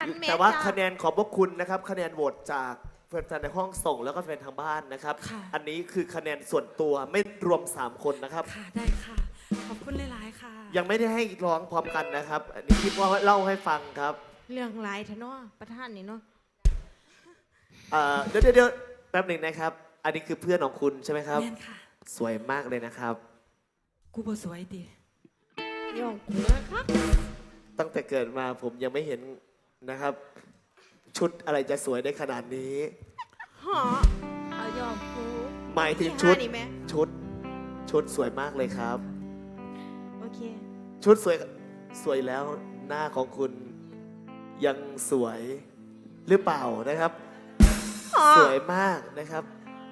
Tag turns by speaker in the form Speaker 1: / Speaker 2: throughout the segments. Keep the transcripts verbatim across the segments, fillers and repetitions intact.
Speaker 1: แต่ว่าคะแนนขอบพระคุณนะครับคะแนนโหวตจากแฟนๆในห้องส่งแล้วก็แฟนทางบ้านนะครับอันนี้คือคะแนนส่วนตัวไม่รวมสามคนนะครับ
Speaker 2: ค่ะได้ค่ะขอบคุณหลายๆค่ะ
Speaker 1: ยังไม่ได้ให้ร้องพร้อมกันนะครับอันนี้คิดว่าเล่าให้ฟังครับ
Speaker 3: เรื่องหลายทะเนาะประธานนี่เนาะ
Speaker 1: เดี๋ยวเดี๋ยวแป๊บหนึ่งนะครับอันนี้คือเพื่อนของคุณใช่ไหมครับ
Speaker 2: แม่นค่ะ
Speaker 1: สวยมากเลยนะครับ
Speaker 2: กูบ่สวยดิ
Speaker 3: ยองกูนะครับ
Speaker 1: ตั้งแต่เกิดมาผมยังไม่เห็นนะครับชุดอะไรจะสวยได้ขนาดนี้
Speaker 3: ฮะเอายองกู
Speaker 1: หมายถึงชุดชุดชุดสวยมากเลยครับ
Speaker 3: โอเค
Speaker 1: ชุดสวยสวยแล้วหน้าของคุณยังสวยหรือเปล่านะครับสวยมากนะครับ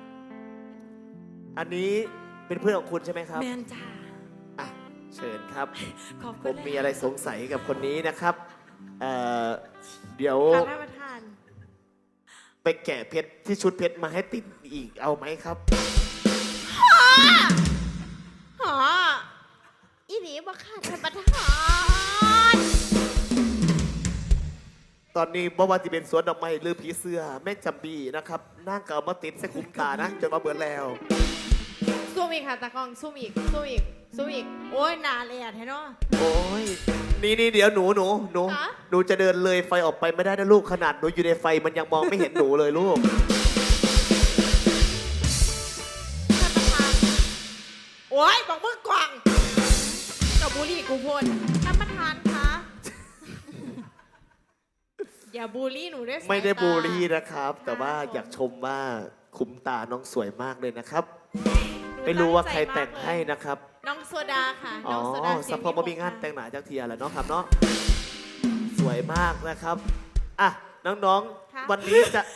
Speaker 1: อันนี้เป็นเพื่อนของคุณใช่ไหมครับ
Speaker 2: แมนจ้า
Speaker 1: อ่ะเชิญครับ
Speaker 2: ขอบคุณ
Speaker 1: ผมมีอะไรสงสัยกับคนนี้นะครับเอ่อเดี๋ยว
Speaker 3: ท่านประธาน
Speaker 1: ไปแกะเพชรที่ชุดเพชรมาให้ติดอีกเอาไหมครับ
Speaker 3: หออีหนีบ่ค่ะท่านประธาน
Speaker 1: ตอนนี้บ่ว่าจะเป็นสวนดอกไม้หรือผีเสื้อแม่จำบีนะครับนั่งเก่ามาติดใส่คุ้มตานะจนมาเบิดแล้ว
Speaker 3: ซูมอีกค่ะตากล้องซูมอีกซูมอีกซูมอีกโอ้ยนานเลยอ่ะแท้เนาะ
Speaker 1: โอ้ยนี่นี่เดี๋ยวหนูหนูหนูหนูจะเดินเลยไฟออกไปไม่ได้นะลูกขนาดหนูอยู่ในไฟมันยังมองไม่เห็นหนูเลยลูก
Speaker 3: ท่านประธานโอ้ยบอกมึงกวางกับบุรีกูพลท่านประธานคะอย่าบูลลี่หนูด้วย
Speaker 1: ไม่ได้บูลลี่นะครับแต่ว่าอยากชมว่าคุ้มตาน้องสวยมากเลยนะครับไม่รู้ว่าใครแต่งให้นะครับ
Speaker 3: น้องโซดาค่ะ
Speaker 1: อ๋อสัพพอมีงานแต่งหนาจากเทียแหละเนาะครับเนาะสวยมากนะครับอ่ะน้องๆวันนี้จะ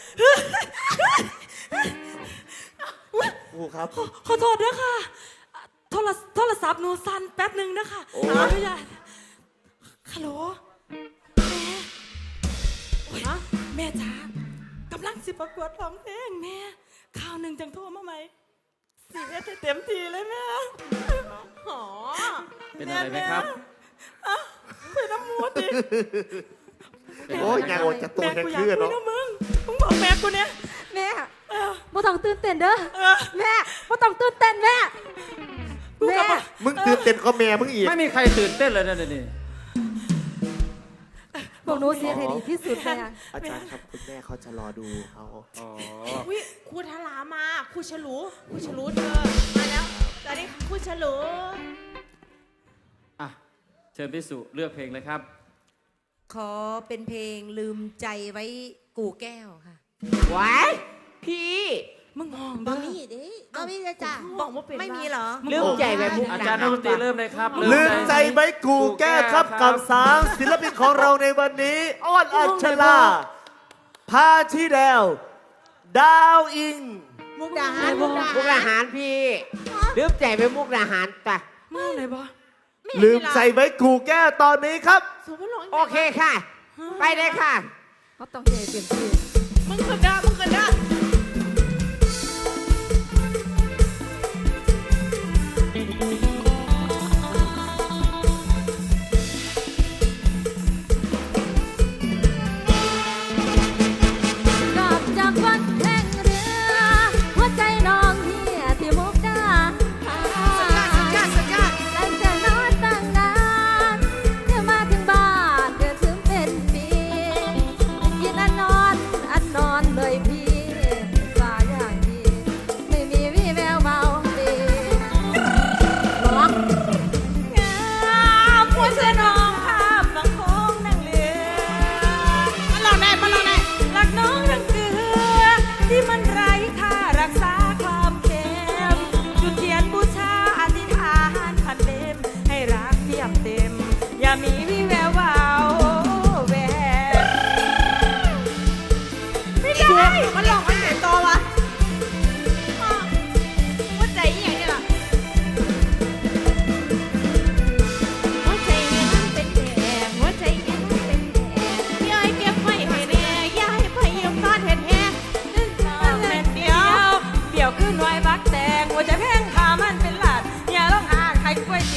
Speaker 1: ครูครับ
Speaker 2: ขอโทษด้วยค่ะโทรโทรศัพท์หนูสั่นแป๊บหนึ่งนะคะขออนุญาตฮัลโหลแม่แม่จ๋ากำลังสิประกวดร้องเพลงแม่ข่าวหนึ่งจังโทรมาไหมสีเอสเต็มทีเลยแม่
Speaker 3: หอ
Speaker 4: เป็นอะไรไหมครับ
Speaker 2: เป็นน้ำมูดดิ
Speaker 1: โอ้ยยังโอจะตัวแค่เคลื่อนเนาะ
Speaker 2: มึงมึงบอกแม่กูเนี่ย
Speaker 5: แม่บ่ต้องตื่นเต้นเด้อแม่บ่ต้องตื่นเต้นแม่
Speaker 1: แม่มึงตื่นเต้นก็แม่มึงอีก
Speaker 4: ไม่มีใครตื่นเต้นเลยนะนี่
Speaker 5: บอกหนูเสียให้ดีที่สุดเลย
Speaker 1: อาจารย์ครับคุณแม่เขาจะรอดูเขา
Speaker 3: อ๋อวิครูทลามาครูฉลูครูฉลูเธอมาแล้วตอนนี้ครูฉลู
Speaker 4: อ่ะเชิญพี่สุเลือกเพลงเลยครับ
Speaker 5: ขอเป็นเพลงลืมใจไว้กูแก้วค่ะ
Speaker 3: ว้ายพี่
Speaker 5: มึงมอง
Speaker 3: บะมี่ดิบะมี่จะจ่าบอกว่าเป็น
Speaker 5: ไม่มีเหรอ
Speaker 3: ลืมใจไว้มุก
Speaker 4: อาจารย์นักดนตรีเริ่มเลยครับ
Speaker 1: ลืมใจไว้กูแก้ครับกับสามศิลปินของเราในวันนี้อ้อนอัชลาพาชีแดวดาวอิง
Speaker 3: มุกดาหารมุ
Speaker 6: กดาหารพี่ลืมใจไปมุกดาหารปะ
Speaker 2: มึงอะไรบ่
Speaker 1: ลืมใจไว้กูแก้ตอนนี้ครับ
Speaker 6: โอเคค่ะไปเลยค่ะ
Speaker 5: เขาต้องใจเปลี่ยนชื่อ
Speaker 3: มึงกระด้ามึงกระด้า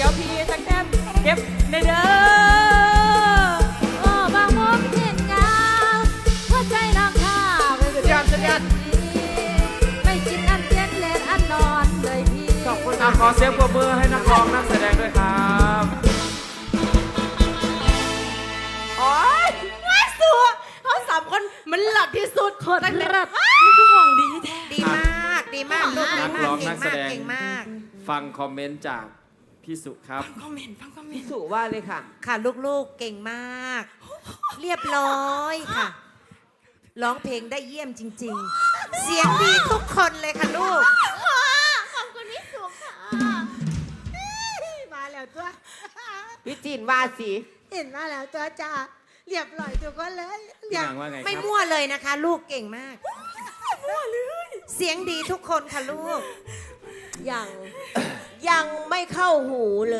Speaker 2: เก็บในเด้อ
Speaker 5: โอ้บางมุมเห็นงา
Speaker 4: ขอเสียงปรบมือให้นักร้องนักแสดงด้วยครับ
Speaker 3: โอ๊ยไม่สัวเขาสามคนมันหลับที่สุดคนตั้งแต่
Speaker 2: มันคือของดีแท้
Speaker 5: ดีมากดีมากลูกดี
Speaker 4: นัก
Speaker 5: มาก
Speaker 4: ร้อง
Speaker 5: เก่
Speaker 4: นั
Speaker 5: ง
Speaker 4: กแส
Speaker 5: มาก
Speaker 4: ดง
Speaker 5: เก่งมาก
Speaker 4: ฟังคอมเมนต์จากพี่สุครับ
Speaker 2: ฟังคอมเมนต์ฟังคอมเมนต์
Speaker 6: สุว่าเลยค่ะ
Speaker 5: ค่ะลูกๆเก่งมาก เรียบร้อยค่ะร้องเพลงได้เยี่ยมจริง ๆ เสียงดีทุกคนเลยค่ะลูก
Speaker 3: ขอบคุณพี่สุค่ะมาแล้วตัว
Speaker 6: พี่จีนว่าสิ
Speaker 3: เห็นมาแล้วตัวจ้าเรียบร้อยทุกคนเลย
Speaker 4: พี่นางว่าไงค
Speaker 5: ไม่
Speaker 4: รับ
Speaker 5: มั่วเลยนะคะ ลูกเก่งมาก เสียงดีทุกคนค่ะลูก
Speaker 7: ยังยังไม่เข้าหูเลย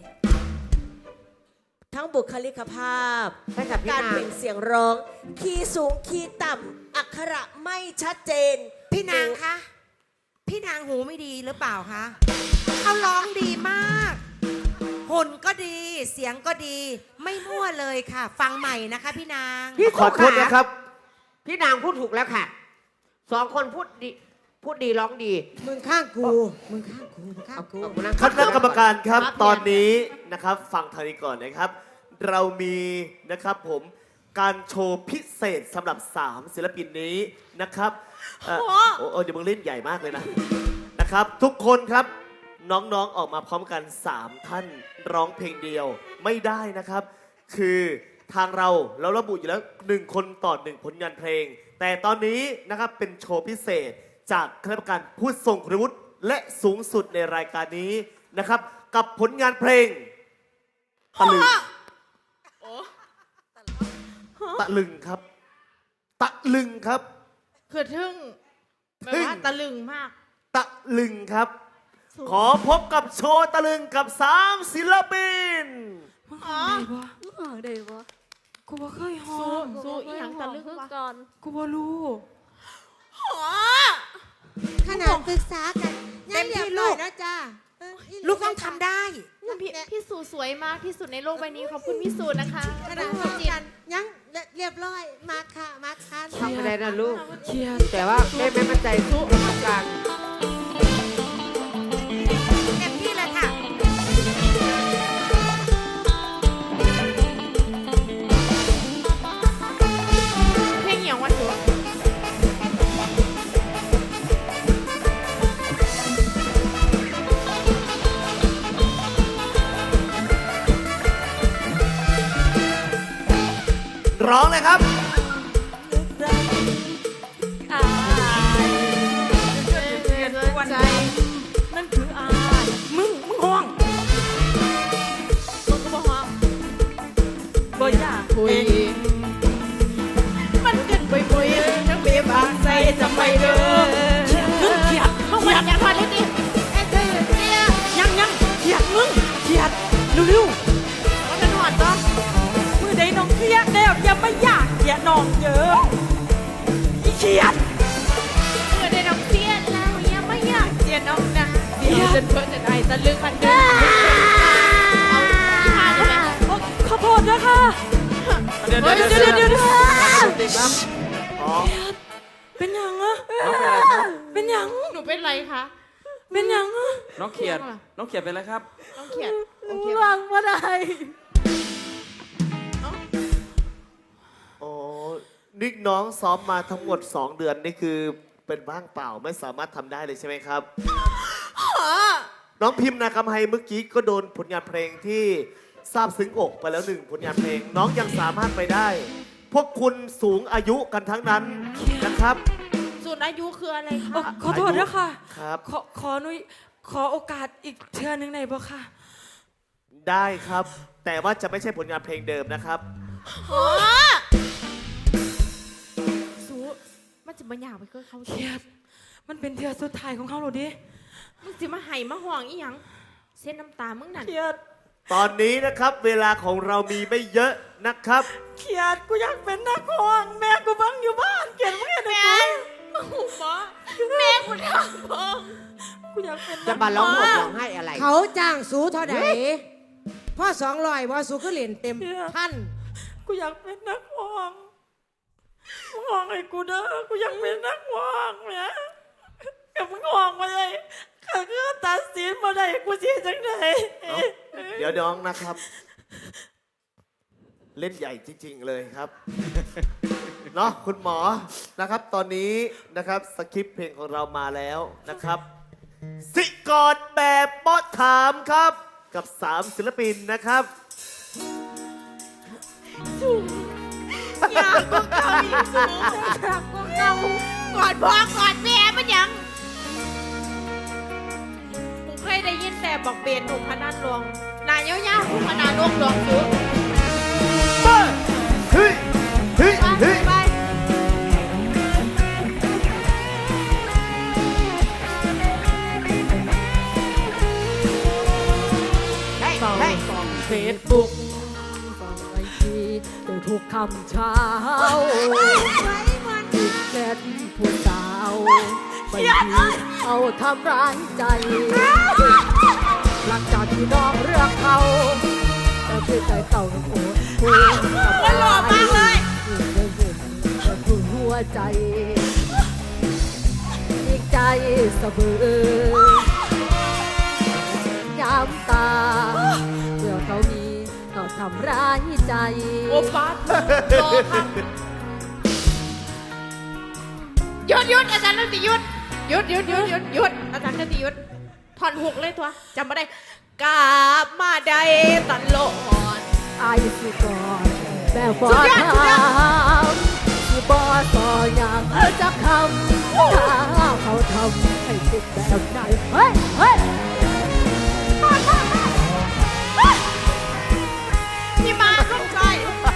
Speaker 7: ทั้งบุคลิกภาพ
Speaker 6: ใช่ค่ะพี่
Speaker 7: การ
Speaker 6: นาง
Speaker 7: เปล่งเสียงร้อง คีย์สูงคีย์ต่ำอักขระไม่ชัดเจน
Speaker 5: พี่นางคะพี่นางหูไม่ดีหรือเปล่าคะเขาร้องดีมากหุ่นก็ดี เสียงก็ดี ไม่มั่วเลยค่ะ ฟังใหม่นะคะ พี่นาง
Speaker 6: พี่
Speaker 1: ขอโทษนะครับ
Speaker 6: พี่นางพูดถูกแล้วค่ะสองคนพูดดีพูดดีร้องดี
Speaker 3: มึงข้างกูมึงข้างกูมึงข้างกู
Speaker 6: เอาเอานั่ง
Speaker 1: คณะกรรมการครับ
Speaker 3: ครับ
Speaker 1: ตอนนี้นะครับฟังทางนี้ก่อนนะครับ เรามีนะครับผมการโชว์พิเศษสำหรับสามศิลปินนี้นะครับเอ่อโอ้โอ้เดี๋ยวมึงเล่นใหญ่มากเลยนะนะครับ ทุกคนครับน้องๆออกมาพร้อมกันสามท่านร้องเพลงเดียวไม่ได้นะครับ คือทางเราเราระบุอยู่แล้วหนึ่งคนต่อหนึ่งผลงานเพลง แต่ตอนนี้นะครับเป็นโชว์พิเศษจากคณะกรรมการผู้ทรงคุณวุฒิและสูงสุดในรายการนี้นะครับ กับผลงานเพลงตะลึงตะลึงครับ ตะลึงครับ
Speaker 3: คือทึ่งแบบว่าตะลึงมาก
Speaker 1: ตะลึงครับ ขอพบกับโชว์ตะลึงกับสามศิลปิน
Speaker 2: มึงของดีบ่
Speaker 7: อ๋อได้ปะ
Speaker 2: กูบ่เคยห้อ
Speaker 3: สู้
Speaker 2: ง
Speaker 3: สู้อีหยังตะลึงวะ
Speaker 7: ก่อน
Speaker 2: กูบ่รู้
Speaker 3: ขนาดปรึกษากัน
Speaker 5: เต็มที่ลูก
Speaker 3: นะจ้า
Speaker 5: ลูกต้องทำได้
Speaker 8: พี่พี่สูสวยมากที่สุดในโลกใบนี้ขอบคุณพี่สูนะคะ
Speaker 3: ขนาดพบกันยังเรียบร้อยมาค่ะมาค่ะ
Speaker 6: ทำไปได้นะลูก
Speaker 2: เชียร์
Speaker 6: แต่ว่าแม่ไม่มั่นใจสู้กรรมการ
Speaker 5: เต็มที่เลยค่ะ
Speaker 8: เพลงอย่างว่าสู
Speaker 1: ร้องเลยครับ
Speaker 2: อายวันใจนั่นคืออายมึงมึงห้อง
Speaker 8: มึงก็บอกว่า
Speaker 2: บ่อยาก
Speaker 8: คุย มันขึ้นไปคุยทั้งเบียบางใจจะไม่เด้อ
Speaker 2: มึงเขียด
Speaker 8: มึงวันอยากพอดนิดดิ
Speaker 3: ไอ้เจ้าเนี่ย
Speaker 2: ยังยังเขียดมึงเขียดเร็ว
Speaker 8: มันเป็นหอดก็
Speaker 2: ๆมือใดน้องเขียดแล้วอย่ามาอยากเขียดน้องเยอะอีเขียด
Speaker 8: เมื่อได้น้องเสียแล้วยังไม่อยากเสียน้องนะเดี๋ยวจนเพิ่นจะได้ตะลึงพันเดินเอาที่ผ่านได้ไหม
Speaker 2: โอ้ขอโทษนะคะ
Speaker 4: เดี๋ยวเดี๋ยวเดี๋ยวเดี๋ยวเดี๋ยวติดครับ
Speaker 1: อ๋อ
Speaker 2: เป็นหยังอะ
Speaker 4: น้องเป็นอะไรครับ
Speaker 2: เป็นหยัง
Speaker 8: หนูเป็นไรคะ
Speaker 2: เป็นหยังอะ
Speaker 4: น้องเขียดน้องเขียดเป็นอะไรครับ
Speaker 8: น้องเขียดโอเค
Speaker 2: วางมาได้
Speaker 1: โอ้นี่น้องซ้อมมาทั้งหมดสองเดือนนี่คือเป็นว่างเปล่าไม่สามารถทำได้เลยใช่ไหมครับ น้องพิมพ์นาคำไฮเมื่อกี้ก็โดนผลงานเพลงที่ซาบซึ้งอกไปแล้วหนึ่งผลงานเพลง น้องยังสามารถไปได้ พวกคุณสูงอายุกันทั้งนั้นนะครับ
Speaker 8: สูตรอายุคืออะไร
Speaker 2: โอ้
Speaker 8: คะ
Speaker 2: ขอโทษนะคะ
Speaker 1: ครับ
Speaker 2: ขอขอหนุยขอโอกาสอีกเทื่อนึงได้บ่ค่ะ
Speaker 1: ได้ครับ แต่ว่าจะไม่ใช่ผลงานเพลงเดิมนะครับ
Speaker 8: อ๋อสูมันจะมาหยาบไปก็เขา
Speaker 2: เครียด มันเป็นเทื่อสุดท้ายของเขาหรอดิ
Speaker 8: มึงสิมาไห้มาห่วงอีหยังเส้นน้ำตามึงนั่น
Speaker 2: เครียด
Speaker 1: ตอนนี้นะครับเวลาของเรามีไม่เยอะนะครับ
Speaker 2: เครียดกูอยากเป็นนักร้องแม่กูบังอยู่บ้านเกลียดมึงเห็นไหม
Speaker 8: โอ้โหหมอแม่กูทำพง
Speaker 2: กูอยากเป็น
Speaker 6: จะ
Speaker 2: นัก
Speaker 6: มาร้องห่มร้องให้อะไร
Speaker 3: เขาจ้างสูเท่าไหร่พ่อสองร้อยว่าสูก็เหรียญเต็มพัน
Speaker 2: กูอยากเป็นนักร้องมึงร้องให้กูเด้อกูอยากเป็นนักร้องแม่กับมึงร้องมาเลยคก็คือตัดสินมาได้กูเสียจังไหน
Speaker 1: เอ้าเดี๋ยวน้องนะครับ เล่นใหญ่จริง ๆ เลยครับ เนาะคุณหมอนะครับ ตอนนี้นะครับสคริปต์เพลงของเรามาแล้วนะครับ สิกอดแบบบอสถามครับ กับสามศิลปินนะครับ
Speaker 3: อยากก็เก่าอีกสูงอยากก็เก่ากอดพ่อกอดแม่มันยังกูเคยได้ยินแต่บอกเปลี่ยนหนุ่มพนันลวงนายเย้าๆผู้พนันลวงลวงสูง
Speaker 1: เฮ้ย เฮ้ย
Speaker 3: ไป
Speaker 1: เฮ้ย
Speaker 3: ไปเฮ้ยเฮ้ย
Speaker 7: เฟซบุ๊กส่องไอจีได้ทุกคำเช้าติดแชทผู้สาวไม่มีเอาทำร้ายใจ หลังจากที่น้องเลือกเขาแต่เพื่อใจเก่าโอ้โห
Speaker 3: มันหล่อมากเลย
Speaker 7: เห็นเห็นแต่ถึงหัวใจอีกใจสะเบือย้ำตาเพื่อเขามีเขาทำร้ายใจ
Speaker 3: โอ้ฟัดรอครับหยุดหยุดอาจารย์นันติหยุดหยุดหยุดหยุดหยุดหยุดอาจารย์นันติหยุดถอนหุกเลยทัวจำไม่ได้กลับมาได้ตลอด
Speaker 7: ไอ้สิก่อนแต่บอ
Speaker 3: สุดยอดสุดยอด
Speaker 7: ทำที่บอต่ออย่างจะคำถ้าเขาทำให้ติดแบบไหนเฮ้ยเฮ้ย
Speaker 3: พี่มาลูกชาย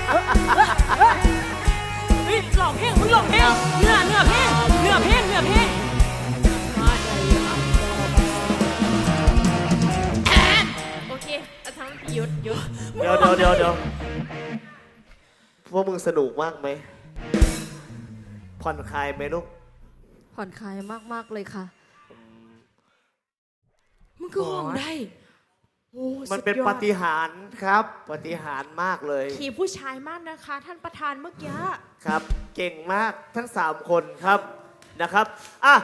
Speaker 2: เฮ้ยหลอกเพลงมึงหลอกเพลงเนื้อเนื้อเพลงเนื้อเพลงเนื้อเพลง
Speaker 3: โอเคอาจารย์นันติหยุดหยุด
Speaker 1: เดี๋ยวเดี๋ยวเดี๋ยวเดี๋ยวพวกมึงสนุกมากไหม ผ่อนคลายไหมลูก
Speaker 7: ผ่อนคลายมาก ๆ เลยค่ะ
Speaker 3: มึงคือห้องได้โอ้
Speaker 1: มันเป็น
Speaker 3: สุดยอด
Speaker 1: ปาฏิหาริย์ครับปาฏิหาริย์มากเลย
Speaker 3: ขี่ผู้ชายมากนะคะ ท่านประธานเมื่อกี้
Speaker 1: ครับ เก่งมากทั้งสามคนครับนะครับอ่ะ